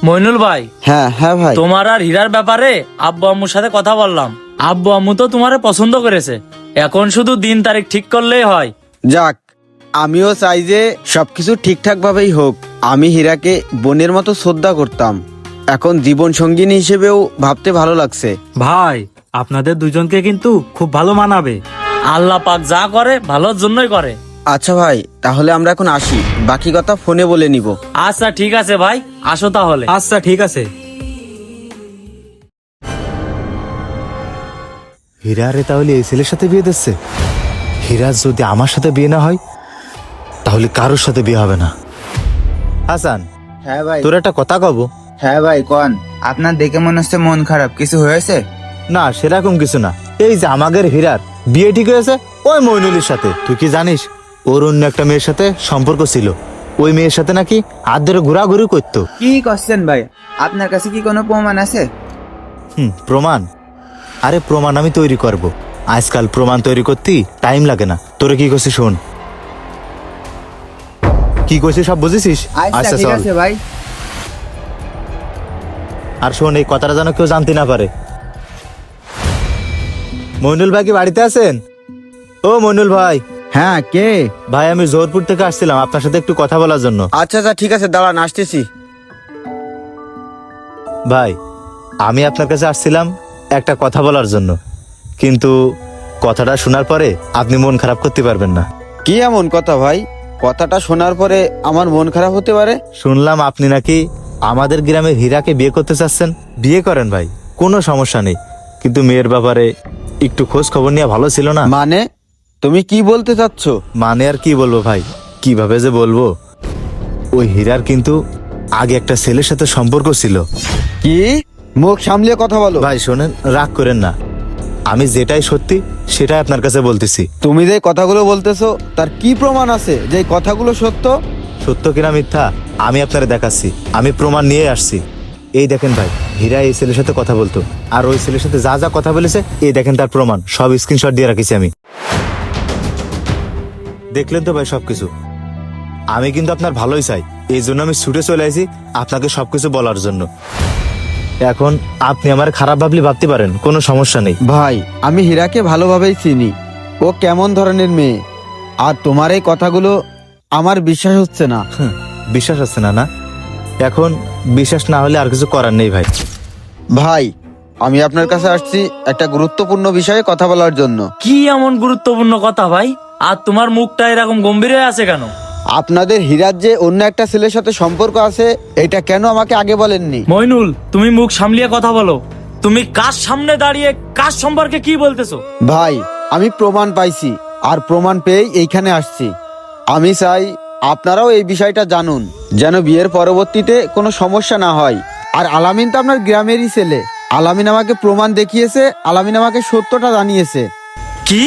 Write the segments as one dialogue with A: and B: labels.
A: মইনুল ভাই,
B: হ্যাঁ হ্যাঁ ভাই।
A: তোমার আর হীরার ব্যাপারে আব্বু আম্মুর সাথে কথা বললাম। আব্বু আম্মু তো তোমারে পছন্দ করেছে, এখন শুধু দিন তারিখ ঠিক করলেই হয়।
B: যাক, আমিও চাই যে সবকিছু ঠিকঠাক ভাবেই হোক। আমি হীরাকে বোনের মতো শ্রদ্ধা করতাম, এখন জীবন সঙ্গিনী হিসেবেও ভাবতে ভালো লাগছে।
C: ভাই, আপনাদের দুজনকে কিন্তু খুব ভালো মানাবে।
A: আল্লাহ পাক যা করে ভালোর জন্যই করে।
B: আচ্ছা ভাই, তাহলে আমরা এখন আসি, বাকি কথা ফোনে বলে নিব।
A: আচ্ছা ঠিক আছে ভাই, আসো তাহলে।
C: আচ্ছা ঠিক আছে।
D: হীরা রে তাহলে এই ছেলের সাথে বিয়ে দিচ্ছে। হীরা যদি আমার সাথে বিয়ে না হয় তাহলে কারোর সাথে বিয়ে হবে না। হাসান,
E: হ্যাঁ ভাই।
D: তোর একটা কথা কব।
E: হ্যাঁ ভাই কোন। আপনার দেখে মনে হচ্ছে মন খারাপ, কিছু হয়েছে?
D: না, সেরকম কিছু না। এই যে আমাদের হীরার বিয়ে ঠিক হয়েছে ওই মইনুলের সাথে। তুই কি জানিস ওর অন্য একটা মেয়ের সাথে সম্পর্ক ছিল? ওই মেয়ের সাথে নাকি হাত ধরে ঘোরাঘুরি করতো।
E: কি করছেন ভাই? আপনার কাছে কি কোনো প্রমাণ আছে?
D: প্রমাণ? আরে প্রমাণ আমি তৈরি করব। আজকাল প্রমাণ তৈরি করতে টাইম লাগে না। তোরে কি করছিস শোন। কি করছিস সব বুঝেছিস?
E: আচ্ছা ঠিক আছে ভাই।
D: আর শোন, এই কথাটা যেন কেউ জানতে না পারে। মইনুল ভাই কি বাড়িতে আছেন? ও মইনুল ভাই।
B: হ্যাঁ, কে?
D: ভাই, আমি জোহরপুর থেকে আসছিলাম আপনার সাথে একটু কথা বলার জন্য।
B: আচ্ছা আচ্ছা ঠিক আছে, দাঁড়ান আসতেছি।
D: ভাই, আমি আপনার কাছে আসছিলাম একটা কথা বলার জন্য, কিন্তু কথাটা শোনার পরে আপনি মন খারাপ করতে পারবেন না।
B: কি এমন কথা ভাই? কথাটা শোনার পরে আমার মন খারাপ হতে পারে?
D: শুনলাম আপনি নাকি আমাদের গ্রামের হীরাকে বিয়ে করতে চাচ্ছেন। বিয়ে করেন ভাই, কোনো সমস্যা নেই, কিন্তু মেয়ের ব্যাপারে একটু খোঁজ খবর নিয়ে ভালো ছিল না?
B: মানে তুমি কি বলতে চাচ্ছ?
D: মানে আর কি বলবো ভাই, কিভাবে যে বলবো। ওই হীরার কিন্তু আগে একটা ছেলের সাথে সম্পর্ক ছিল।
B: কি? মুখ সামলিয়ে কথা বলো
D: ভাই শোনেন, রাগ করেন না, আমি যেটাই সত্যি সেটাই আপনার কাছে বলতেছি।
B: তুমি যে কথাগুলো বলতেছো তার কি প্রমাণ আছে যে এই কথাগুলো সত্য?
D: সত্য কিনা মিথ্যা আমি আপনারে দেখাচ্ছি, আমি প্রমাণ নিয়ে আসছি। এই দেখেন ভাই, হীরা এই ছেলের সাথে কথা বলতো, আর ওই ছেলের সাথে যা যা কথা বলেছে এই দেখেন তার প্রমাণ, সব স্ক্রিনশট দিয়ে রাখিছি আমি। দেখলেন তো ভাই সবকিছু। আমি কিন্তু আপনার ভালোই চাই, এই জন্য আমি ছুটে চলে আসি আপনাকে সবকিছু বলার জন্য। এখন আপনি আমার খারাপ ভাবলে ভাবতে পারেন, কোনো সমস্যা নেই।
B: ভাই, আমি হীরাকে ভালোভাবেই চিনি, ও কেমন ধরনের মেয়ে। আর তোমার এই কথাগুলো আমার বিশ্বাস হচ্ছে না।
D: বিশ্বাস আছে না? না, এখন বিশ্বাস না হলে আর কিছু করার নেই ভাই।
B: ভাই, আমি আপনার কাছে আসছি একটা গুরুত্বপূর্ণ বিষয়ে কথা বলার জন্য।
A: কি এমন গুরুত্বপূর্ণ কথা ভাই? আর তোমার মুখটা এরকম গম্ভীর হয়ে আছে কেন?
B: আপনাদের হীরার যে অন্য একটা ছেলের সাথে সম্পর্ক আছে, এটা কেন আমাকে আগে বলেননি?
A: মইনুল, তুমি মুখ সামলিয়ে কথা বলো। তুমি কার সামনে দাঁড়িয়ে কার সম্পর্কে কি বলতেছো?
B: ভাই, আমি প্রমাণ পাইছি, আর প্রমাণ পেয়েই এইখানে আসছি। আমি চাই আপনারাও এই বিষয়টা জানুন, যেন বিয়ের পরবর্তীতে কোনো সমস্যা না হয়। আর আলামিন তো আপনার গ্রামেরই ছেলে। আলামিন আমাকে প্রমাণ দেখিয়েছে, আলামিন আমাকে সত্যটা জানিয়েছে।
A: কি?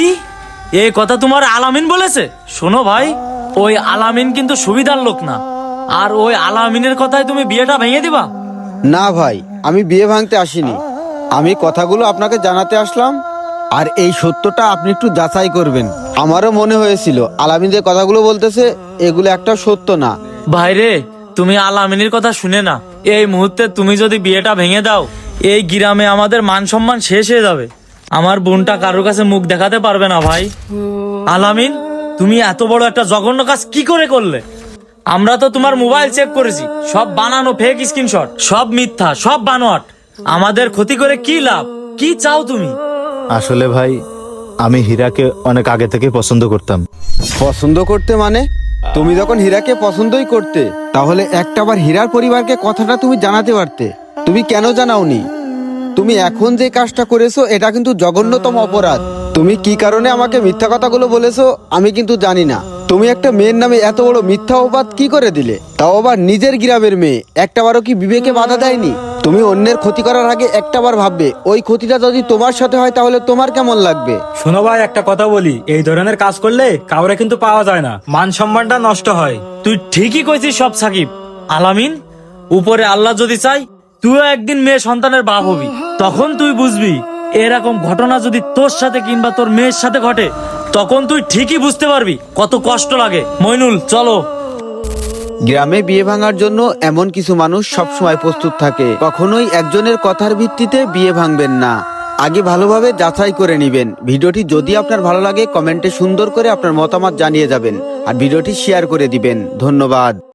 A: এই কথা তোমার আলামিন বলেছে? শোনো ভাই, ওই আলামিন কিন্তু সুবিধার লোক না। আর ওই আলামিনের কথায় তুমি বিয়েটা ভেঙে দিবা?
B: না ভাই, আমি বিয়ে ভাঙতে আসিনি, আমি কথাগুলো আপনাকে জানাতে আসলাম। আর এই সত্যটা আপনি একটু যাচাই করবেন। আমারও মনে হয়েছিল আলামিন যে কথাগুলো বলতেছে এগুলো একটা সত্য না।
A: ভাইরে, তুমি আলামিনের কথা শুনে না, এই মুহূর্তে তুমি যদি বিয়েটা ভেঙে দাও, এই গ্রামে আমাদের মান সম্মান শেষ হয়ে যাবে। আমার বোনটা কারোর কাছে মুখ দেখাতে পারবে না ভাই। আলামিন, তুমি এত বড় একটা জঘন্য কাজ কি করে করলে? আমরা তো তোমার মোবাইল চেক করেছি, সব বানানো ফেক স্ক্রিনশট, সব মিথ্যা, সব বানোয়াট। আমাদের ক্ষতি করে কি লাভ? কি চাও তুমি?
D: আসলে ভাই, আমি হীরাকে অনেক আগে থেকে পছন্দ করতাম।
B: পছন্দ করতে মানে? তুমি যখন হীরাকে পছন্দই করতে, তাহলে একটাবার হীরার পরিবারকে কথাটা তুমি জানাতে পারতে। তুমি কেন জানাওনি? তুমি এখন যে কাজটা করেছো এটা কিন্তু জঘন্যতম অপরাধ। তুমি কি কারণে আমাকে মিথ্যা কথাগুলো বলেছো আমি কিন্তু জানি না। তুমি একটা মেয়ের নামে এত বড় মিথ্যা অপবাদ কি করে দিলে? তাও আবার নিজের গ্রামের মেয়ে। একটাবারও কি বিবেকে বাধা দেয়নি? তুমি অন্যের ক্ষতি করার আগে একটাবার ভাববে ওই ক্ষতিটা যদি তোমার সাথে হয় তাহলে তোমার কেমন লাগবে?
C: শোনো ভাই, একটা কথা বলি, এই ধরনের কাজ করলে কাউরে কিন্তু পাওয়া যায় না, মান সম্মানটা নষ্ট হয়।
A: তুই ঠিকই কইছিস সব সাকিব। আলামিন, উপরে আল্লাহ যদি চাই তুইও একদিন মেয়ে সন্তানের বাপ হবি, তখন তুই বুঝবি এরকম ঘটনা যদি তোর সাথে কিংবা তোর মেয়ের সাথে ঘটে, তখন তুই ঠিকই বুঝতে পারবি কত কষ্ট লাগে। মইনুল, চলো।
B: গ্রামে বিয়ে ভাঙার জন্য এমন কিছু মানুষ সবসময় প্রস্তুত থাকে। কখনোই একজনের কথার ভিত্তিতে বিয়ে ভাঙবেন না, আগে ভালোভাবে যাচাই করে নেবেন। ভিডিওটি যদি আপনার ভালো লাগে কমেন্টে সুন্দর করে আপনার মতামত জানিয়ে যাবেন আর ভিডিওটি শেয়ার করে দিবেন। ধন্যবাদ।